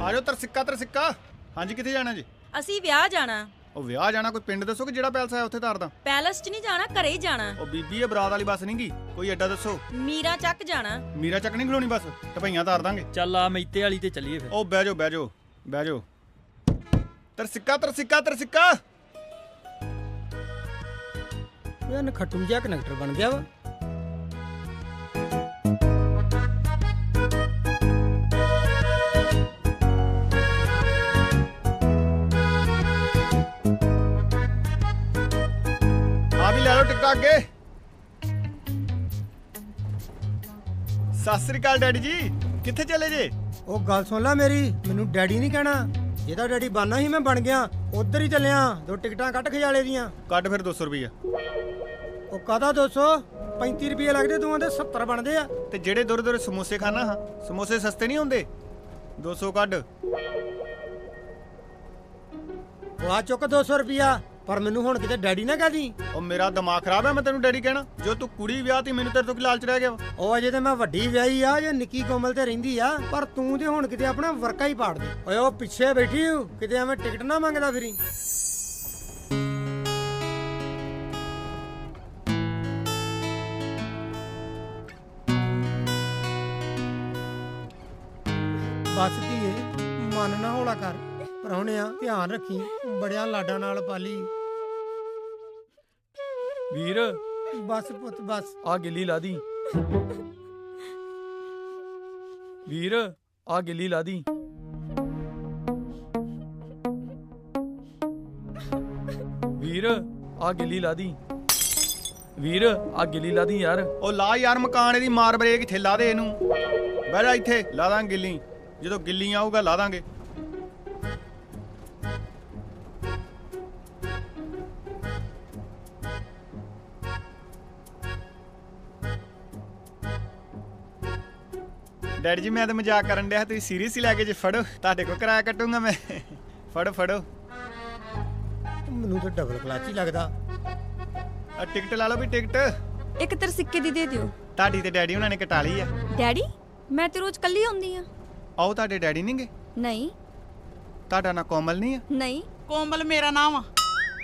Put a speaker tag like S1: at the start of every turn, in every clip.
S1: ਆ ਜਾਓ ਤਰਸਿੱਕਾ। ਹਾਂਜੀ ਕਿੱਥੇ ਜਾਣਾ ਜੀ?
S2: ਅਸੀਂ ਵਿਆਹ ਜਾਣਾ।
S1: ਉਹ ਵਿਆਹ ਜਾਣਾ ਕੋਈ ਪਿੰਡ ਦੱਸੋ ਕਿ ਜਿਹੜਾ ਪੈਲਸ ਹੈ ਉੱਥੇ ਤਾਰਦਾ?
S2: ਪੈਲਸ 'ਚ ਨਹੀਂ ਜਾਣਾ, ਘਰੇ ਹੀ ਜਾਣਾ।
S1: ਉਹ ਬੀਬੀ ਇਹ ਬਰਾਤ ਵਾਲੀ ਬੱਸ ਨਹੀਂਗੀ, ਕੋਈ ਅੱਡਾ ਦੱਸੋ।
S2: ਮੀਰਾ ਚੱਕ ਜਾਣਾ।
S1: ਮੀਰਾ ਚੱਕ ਨਹੀਂ ਖਲੋਣੀ ਬੱਸ, ਟਪਈਆਂ ਤਾਰ ਦਾਂਗੇ।
S3: ਚੱਲ ਆ ਮੈਤੇ ਵਾਲੀ ਤੇ ਚੱਲੀਏ ਫਿਰ।
S1: ਉਹ ਬਹਿ ਜਾਓ। ਤਰਸਿੱਕਾ।
S4: ਇਹ ਨਖੱਟੂ ਜਿਹਾ ਕਨੈਕਟਰ ਬਣ ਗਿਆ ਵਾ।
S1: ਆ ਵੀ ਲੈ ਲਓ ਟਿਕਟਾਂ ਅੱਗੇ। ਸਤਿ ਸ੍ਰੀ ਅਕਾਲ ਡੈਡੀ ਜੀ, ਕਿੱਥੇ ਚਲੇ ਜੇ?
S4: ਉਹ ਗੱਲ ਸੁਣ ਲੈ ਮੇਰੀ, ਮੈਨੂੰ ਡੈਡੀ ਨਹੀਂ ਕਹਿਣਾ। ਜਿਹਦਾ ਡੈਡੀ ਬਣਨਾ ਸੀ ਮੈਂ ਬਣ ਗਿਆ, ਉਧਰ ਹੀ ਚੱਲਿਆ। 2 ਟਿਕਟਾਂ ਕੱਟ ਖਿਆਲੇ ਦੀਆਂ।
S1: ਕੱਢ ਫਿਰ 200 ਰੁਪਈਆ।
S4: ਉਹ ਕਾਹਦਾ 200? 35 ਰੁਪਏ ਲੱਗਦੇ, ਦੋਵਾਂ ਦੇ 70 ਬਣਦੇ ਆ।
S1: ਤੇ ਜਿਹੜੇ ਦੁਰ ਸਮੋਸੇ ਖਾਣਾ ਹਾਂ, ਸਮੋਸੇ ਸਸਤੇ ਨਹੀਂ ਹੁੰਦੇ। 200 ਕੱਢ।
S4: ਉਹ ਆ ਚੁੱਕ 200 ਰੁਪਿਆ, ਪਰ ਮੈਨੂੰ ਹੁਣ ਕਿਤੇ ਡੈਡੀ ਨਾ ਕਹਦੀ।
S1: ਉਹ ਮੇਰਾ ਦਿਮਾਗ ਖਰਾਬ ਹੈ, ਮੈਂ ਤੈਨੂੰ ਡੈਡੀ ਕਹਿਣਾ? ਜੋ ਤੂੰ ਕੁੜੀ ਵਿਆਹ ਤੀ, ਮੈਨੂੰ ਤੇਰੇ ਤੋਂ ਕੀ ਲਾਲਚ ਰਹਿ ਗਿਆ ਵਾ?
S4: ਉਹ ਅਜੇ ਤੇ ਮੈਂ ਵੱਡੀ ਵਿਆਹੀ ਆ, ਜੇ ਨਿੱਕੀ ਕੋਮਲ ਤੇ ਰਹਿੰਦੀ ਆ, ਪਰ ਤੂੰ ਤੇ ਹੁਣ ਕਿਤੇ ਆਪਣਾ ਵਰਕਾ ਹੀ ਪਾੜ ਦੇ। ਓਏ ਉਹ ਪਿੱਛੇ ਬੈਠੀ ਹੂੰ, ਕਿਤੇ ਐਵੇਂ ਟਿਕਟ ਨਾ ਮੰਗਦਾ ਫਿਰੀ। ਬਸ ਧੀਏ, ਮਨ ਨਾ ਹੌਲਾ ਕਰ। ਪ੍ਰਾਹੁਣਿਆ ਧਿਆਨ ਰੱਖੀ, ਬੜਿਆ ਲਾਡਾਂ ਨਾਲ ਪਾਲੀ।
S3: ਵੀਰ
S4: ਬਸ ਪੁੱਤ ਬਸ।
S3: ਆ ਗਿੱਲੀ ਲਾ ਦੀ। ਵੀਰ ਆ ਗਿੱਲੀ ਲਾ ਦੀ। ਵੀਰ ਆ ਗਿੱਲੀ ਲਾ ਦੀ। ਵੀਰ ਆ ਗਿੱਲੀ ਲਾ ਦੀ ਯਾਰ।
S1: ਉਹ ਲਾ ਯਾਰ ਮਕਾਨ, ਇਹਦੀ ਮਾਰ ਬਰੇਕ ਇੱਥੇ ਲਾ ਦੇ ਇਹਨੂੰ। ਬਹਿ ਜਾ ਇੱਥੇ, ਲਾ ਦਾਂਗੇ ਗਿੱਲੀ। ਜਦੋਂ ਗਿੱਲੀ ਆਊਗਾ ਲਾ ਦਾਂਗੇ। ਡੈਡੀ ਜੀ ਮੈਂ ਤਾਂ ਮਜ਼ਾਕ ਕਰਨ ਡਿਆ, ਤੁਸੀਂ ਸੀਰੀਅਸ ਹੀ ਲੈ ਕੇ ਜੇ। ਫੜੋ, ਤੁਹਾਡੇ ਕੋਲ ਕਿਰਾਇਆ ਕੱਟੂੰਗਾ ਮੈਂ। ਫੜੋ।
S4: ਮੈਨੂੰ ਤਾਂ ਡਬਲ ਕਲਚ ਹੀ ਲੱਗਦਾ।
S1: ਆ ਟਿਕਟ ਲਾ ਲਓ ਵੀ ਟਿਕਟ।
S2: ਇੱਕ ਤਰਸਿੱਕੇ ਦੀ ਦੇ ਦਿਓ।
S1: ਤੁਹਾਡੀ ਤੇ ਡੈਡੀ ਉਹਨਾਂ ਨੇ ਕਟਾ ਲਈ ਆ।
S2: ਡੈਡੀ? ਮੈਂ ਤੇ ਰੋਜ਼ ਕੱਲੀ ਆਉਂਦੀ ਆ।
S1: ਆਓ ਤੁਹਾਡੇ ਡੈਡੀ ਨਹੀਂਗੇ?
S2: ਨਹੀਂ।
S1: ਤੁਹਾਡਾ ਨਾਂ ਕੋਮਲ ਨਹੀਂ ਆ?
S2: ਨਹੀਂ।
S5: ਕੋਮਲ ਮੇਰਾ ਨਾਮ ਆ।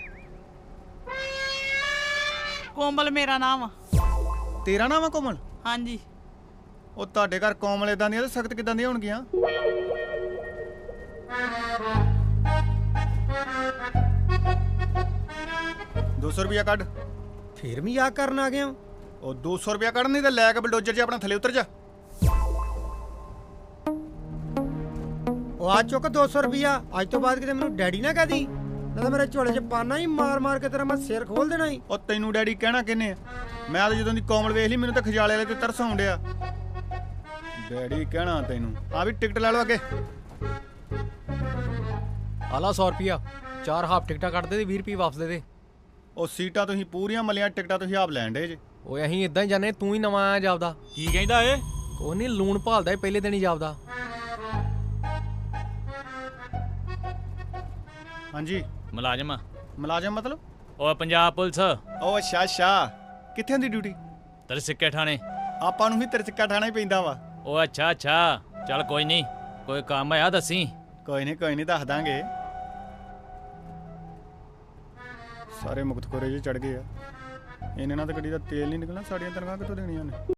S5: ਕੋਮਲ ਮੇਰਾ ਨਾਮ ਆ।
S1: ਤੇਰਾ ਨਾਮ ਆ ਕੋਮਲ?
S5: ਹਾਂਜੀ।
S1: ਉਹ ਤੁਹਾਡੇ ਘਰ ਕੋਮਲ ਇਦਾਂ ਦੀਆਂ ਤੇ ਸਖਤ ਕਿਦਾਂ ਦੀਆਂ ਹੋਣਗੀਆਂ? $200 ਰੁਪਇਆ ਕੱਢ।
S4: ਫੇਰ ਮਜ਼ਾਕ ਕਰਨ ਆ ਗਿਆ।
S1: ਉਹ 200 ਰੁਪਇਆ ਕੱਢ, ਨਹੀਂ ਤੇ ਲੈ ਕੇ ਬਲਡੋਜ਼ਰ 'ਚ ਆਪਣਾ ਥੱਲੇ ਉਤਰ ਜਾ।
S4: ਉਹ ਆ ਚੁੱਕ 200 ਰੁਪਿਆ। ਅੱਜ ਤੋਂ ਬਾਅਦ ਕਿਤੇ ਮੈਨੂੰ ਡੈਡੀ ਨਾ ਕਹਦੀ, ਨਾ ਤਾਂ ਮੇਰੇ ਝੋਲੇ 'ਚ ਪਾਣਾ ਹੀ ਮਾਰ ਕੇ ਤੇਰਾ ਮੈਂ ਸਿਰ ਖੋਲ ਦੇਣਾ ਹੀ।
S1: ਉਹ ਤੈਨੂੰ ਡੈਡੀ ਕਹਿਣਾ ਕਿੰਨੇ ਆ? ਮੈਂ ਤਾਂ ਜਦੋਂ ਦੀ ਕੋਮਲ ਵੇਖ ਲਈ, ਮੈਨੂੰ ਤਾਂ ਖਜਾਲੇ ਵਾਲੇ ਤੇ ਤਰਸ ਆਉਣ ਡਿਆ। ਡੈਡੀ ਕਹਿਣਾ ਤੈਨੂੰ? ਆ ਵੀ ਟਿਕਟ ਲੈ ਲਓ ਅੱਗੇ।
S3: ਆਲਾ 100 ਰੁਪਿਆ, 4 ਹਾਫ ਟਿਕਟਾਂ ਕੱਢ ਦੇ ਤੇ 20 ਰੁਪਏ ਵਾਪਸ ਦੇ ਦੇ।
S1: ਉਹ ਸੀਟਾਂ ਤੁਸੀਂ ਪੂਰੀਆਂ ਮਲੀਆਂ, ਟਿਕਟਾਂ ਤੁਸੀਂ ਆਪ ਲੈਣ ਡੇ ਜੇ।
S3: ਓਏ ਅਸੀਂ ਇਦਾਂ ਹੀ ਜਾਣੇ, ਤੂੰ ਹੀ ਨਵਾਂ ਆਇਆ ਜਾਪਦਾ।
S6: ਕੀ ਕਹਿੰਦਾ ਏ?
S3: ਕੋਈ ਨਹੀਂ, ਲੂਣ ਭਾਲਦਾ ਪਹਿਲੇ ਦਿਨ ਹੀ ਜਾਪਦਾ।
S1: ਹਾਂਜੀ
S6: ਮੁਲਾਜ਼ਮ
S1: ਮੁਲਾਜ਼ਮ ਮਤਲਬ?
S6: ਉਹ ਪੰਜਾਬ ਪੁਲਿਸ।
S1: ਉਹ ਅੱਛਾ ਕਿੱਥੇ ਹੁੰਦੀ ਡਿਊਟੀ?
S6: ਤਰਸਿੱਕੇ ਥਾਣੇ।
S1: ਆਪਾਂ ਨੂੰ ਵੀ ਤਰਸਿੱਕਾ ਠਾਣਾ ਹੀ ਪੈਂਦਾ ਵਾ।
S6: ਉਹ ਅੱਛਾ ਚੱਲ ਕੋਈ ਨਹੀਂ, ਕੋਈ ਕੰਮ ਆ ਦੱਸੀ।
S1: ਕੋਈ ਨਹੀਂ ਦੱਸ ਦਾਂਗੇ। ਸਾਰੇ ਮੁਕਤਖੋਰੇ ਜਿਹੇ ਚੜ ਗਏ ਆ। ਇਹਨੇ ਨਾਲ ਤਾਂ ਗੱਡੀ ਦਾ ਤੇਲ ਨਹੀਂ ਨਿਕਲਣਾ, ਸਾਡੀਆਂ ਤਨਖਾਹਾਂ ਕਿੱਥੋਂ ਦੇਣੀਆਂ ਨੇ?